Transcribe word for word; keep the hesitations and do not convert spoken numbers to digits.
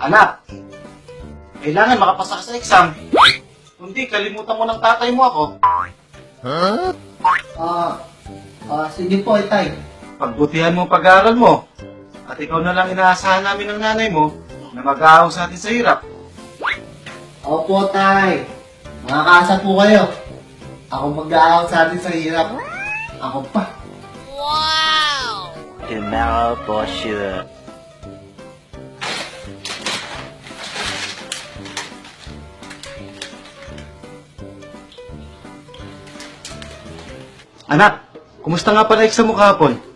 Anak, kailangan makapasa ka sa exam. Kundi kalimutan mo ng tatay mo ako. Ah, ah, sige po, Itay. Pagbutihan mo ang pag-aaral mo. At ikaw na lang inaasahan namin ng nanay mo na mag-aaw sa atin sa hirap. Opo, Tay. Makakaasa po kayo. Ako mag-aaw sa atin sa hirap. Ako pa. Tomorrow for sure. Anak, kumusta nga pala exam mo kahapon?